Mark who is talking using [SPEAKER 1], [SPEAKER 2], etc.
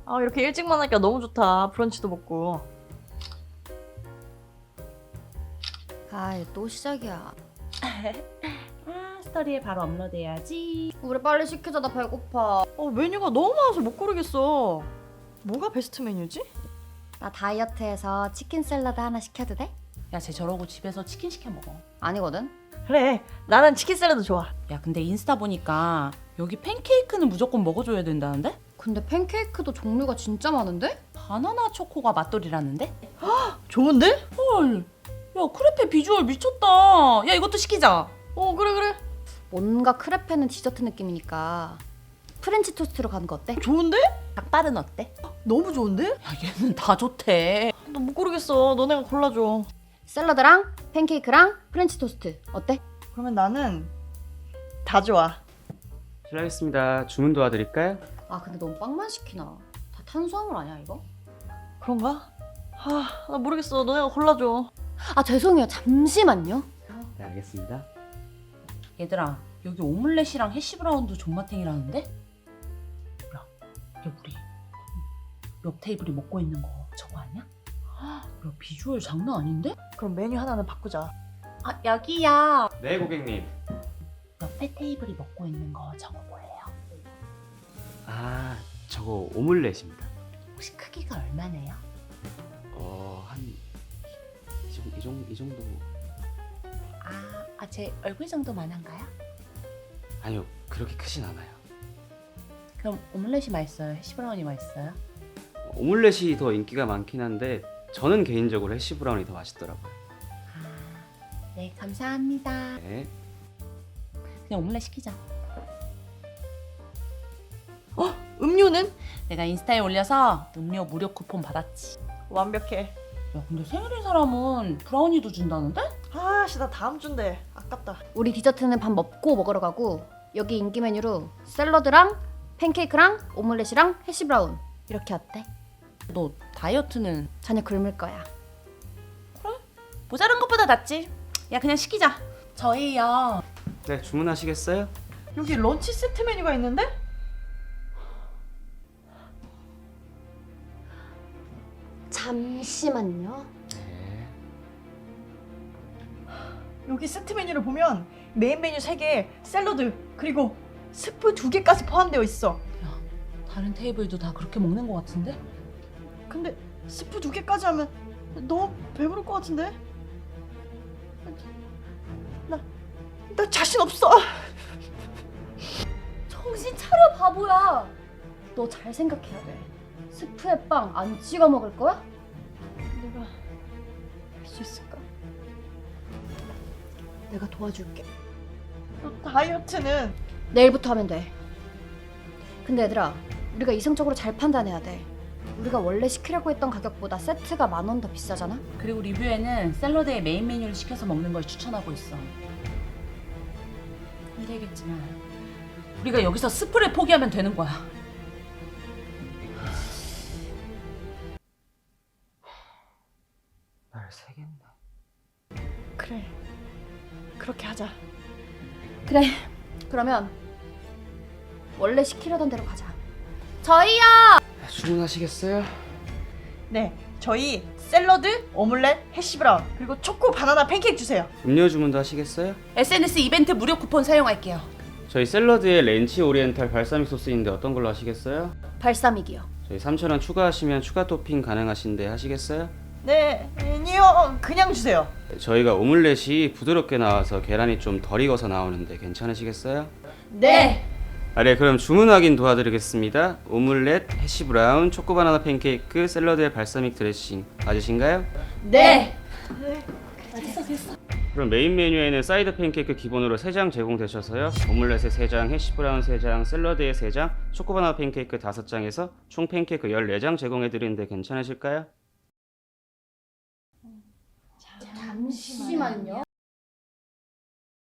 [SPEAKER 1] 아, 이렇게 일찍만 하니까 너무 좋다. 브런치도 먹고.
[SPEAKER 2] 아이 또 시작이야.
[SPEAKER 3] 스토리에 바로 업로드해야지.
[SPEAKER 2] 우리 빨리 시키자. 나 배고파.
[SPEAKER 1] 메뉴가 너무 많아서 못 고르겠어. 뭐가 베스트 메뉴지?
[SPEAKER 2] 나 다이어트해서 치킨 샐러드 하나 시켜도 돼?
[SPEAKER 3] 야, 쟤 저러고 집에서 치킨 시켜 먹어.
[SPEAKER 2] 아니거든.
[SPEAKER 1] 그래, 나는 치킨 샐러드 좋아.
[SPEAKER 3] 야, 근데 인스타 보니까 여기 팬케이크는 무조건 먹어줘야 된다는데?
[SPEAKER 2] 근데 팬케이크도 종류가 진짜 많은데?
[SPEAKER 3] 바나나 초코가 맛돌이라는데?
[SPEAKER 1] 좋은데?
[SPEAKER 3] 헐, 야, 크레페 비주얼 미쳤다. 야, 이것도 시키자.
[SPEAKER 1] 그래.
[SPEAKER 2] 뭔가 크레페는 디저트 느낌이니까 프렌치 토스트로 가는 거 어때?
[SPEAKER 1] 좋은데?
[SPEAKER 3] 닭발은 어때?
[SPEAKER 1] 너무 좋은데?
[SPEAKER 3] 야, 얘는 다 좋대.
[SPEAKER 1] 나 못 고르겠어. 너네가 골라줘.
[SPEAKER 2] 샐러드랑 팬케이크랑 프렌치 토스트 어때?
[SPEAKER 1] 그러면 나는 다 좋아.
[SPEAKER 4] 실례하겠습니다. 주문 도와드릴까요?
[SPEAKER 2] 아 근데 너무 빵만 시키나? 다 탄수화물 아니야 이거?
[SPEAKER 1] 그런가? 나 모르겠어. 너네가 골라줘.
[SPEAKER 2] 아 죄송해요. 잠시만요.
[SPEAKER 4] 네, 알겠습니다.
[SPEAKER 3] 얘들아, 여기 오믈렛이랑 해시브라운도 존맛탱이라는데? 야, 우리 옆 테이블이 먹고 있는 거 저거 아니야? 야, 비주얼 장난 아닌데?
[SPEAKER 1] 그럼 메뉴 하나는 바꾸자.
[SPEAKER 3] 아, 여기야.
[SPEAKER 4] 네, 고객님.
[SPEAKER 3] 옆에 테이블이 먹고 있는 거 저거 뭐예요?
[SPEAKER 4] 아, 저거 오믈렛입니다.
[SPEAKER 3] 혹시 크기가 얼마네요?
[SPEAKER 4] 한 이 정도.
[SPEAKER 3] 제 얼굴 정도만 한가요?
[SPEAKER 4] 아니요, 그렇게 크진 않아요.
[SPEAKER 3] 그럼 오믈렛이 맛있어요? 해시브라운이 맛있어요?
[SPEAKER 4] 오믈렛이 더 인기가 많긴 한데 저는 개인적으로 해시 브라운이 더 맛있더라고요.
[SPEAKER 3] 네, 감사합니다.
[SPEAKER 4] 네.
[SPEAKER 3] 그냥 오믈렛 시키자.
[SPEAKER 1] 음료는?
[SPEAKER 3] 내가 인스타에 올려서 음료 무료 쿠폰 받았지.
[SPEAKER 1] 완벽해.
[SPEAKER 3] 야, 근데 생일인 사람은 브라우니도 준다는데?
[SPEAKER 1] 나 다음 주인데 아깝다.
[SPEAKER 2] 우리 디저트는 밥 먹고 먹으러 가고 여기 인기 메뉴로 샐러드랑 팬케이크랑 오믈렛이랑 해시브라운 이렇게 어때?
[SPEAKER 3] 너 다이어트는
[SPEAKER 2] 자네 굶을 거야.
[SPEAKER 3] 모자란 것보다 낫지. 야, 그냥 시키자. 저희요.
[SPEAKER 4] 네, 주문하시겠어요?
[SPEAKER 1] 여기 런치 세트 메뉴가 있는데?
[SPEAKER 2] 잠시만요.
[SPEAKER 4] 네.
[SPEAKER 1] 여기 세트 메뉴를 보면 메인 메뉴 3개, 샐러드, 그리고 스프 2개까지 포함되어 있어.
[SPEAKER 3] 다른 테이블도 다 그렇게 먹는 것 같은데?
[SPEAKER 1] 근데 스프 2개까지 하면 너무 배부를 것 같은데? 나 자신 없어.
[SPEAKER 2] 정신 차려 바보야. 너 잘 생각해야 돼. 스프에 빵 안 찍어 먹을 거야?
[SPEAKER 1] 내가 할 수 있을까?
[SPEAKER 2] 내가 도와줄게.
[SPEAKER 1] 다이어트는
[SPEAKER 2] 내일부터 하면 돼. 근데 얘들아, 우리가 이성적으로 잘 판단해야 돼. 우리가 원래 시키려고 했던 가격보다 세트가 10,000원 더 비싸잖아?
[SPEAKER 3] 그리고 리뷰에는 샐러드에 메인 메뉴를 시켜서 먹는 걸 추천하고 있어. 힘들겠지만 우리가 여기서 스프를 포기하면 되는 거야.
[SPEAKER 4] 날 새겠네.
[SPEAKER 1] 그래, 그렇게 하자.
[SPEAKER 2] 그래. 그러면 원래 시키려던 대로 가자. 저희요.
[SPEAKER 4] 주문하시겠어요?
[SPEAKER 1] 네, 저희 샐러드, 오믈렛, 해시브라운, 그리고 초코 바나나 팬케이크 주세요.
[SPEAKER 4] 음료 주문도 하시겠어요?
[SPEAKER 3] SNS 이벤트 무료 쿠폰 사용할게요.
[SPEAKER 4] 저희 샐러드에 렌치 오리엔탈 발사믹 소스인데 어떤 걸로 하시겠어요?
[SPEAKER 2] 발사믹이요.
[SPEAKER 4] 저희 3,000원 추가하시면 추가 토핑 가능하신데 하시겠어요?
[SPEAKER 1] 네, 아니요, 그냥 주세요.
[SPEAKER 4] 저희가 오믈렛이 부드럽게 나와서 계란이 좀 덜 익어서 나오는데 괜찮으시겠어요?
[SPEAKER 2] 네.
[SPEAKER 4] 네, 그럼 주문 확인 도와드리겠습니다. 오믈렛, 해시브라운, 초코바나나 팬케이크, 샐러드에 발사믹 드레싱 맞으신가요?
[SPEAKER 2] 네.
[SPEAKER 4] 그럼 메인 메뉴에는 사이드 팬케이크 기본으로 3장 제공되셔서요. 오믈렛에 3장, 해시브라운 3장, 샐러드에 3장, 초코바나나 팬케이크 5장에서 총 팬케이크 14장 제공해드리는데 괜찮으실까요?
[SPEAKER 2] 잠시만요.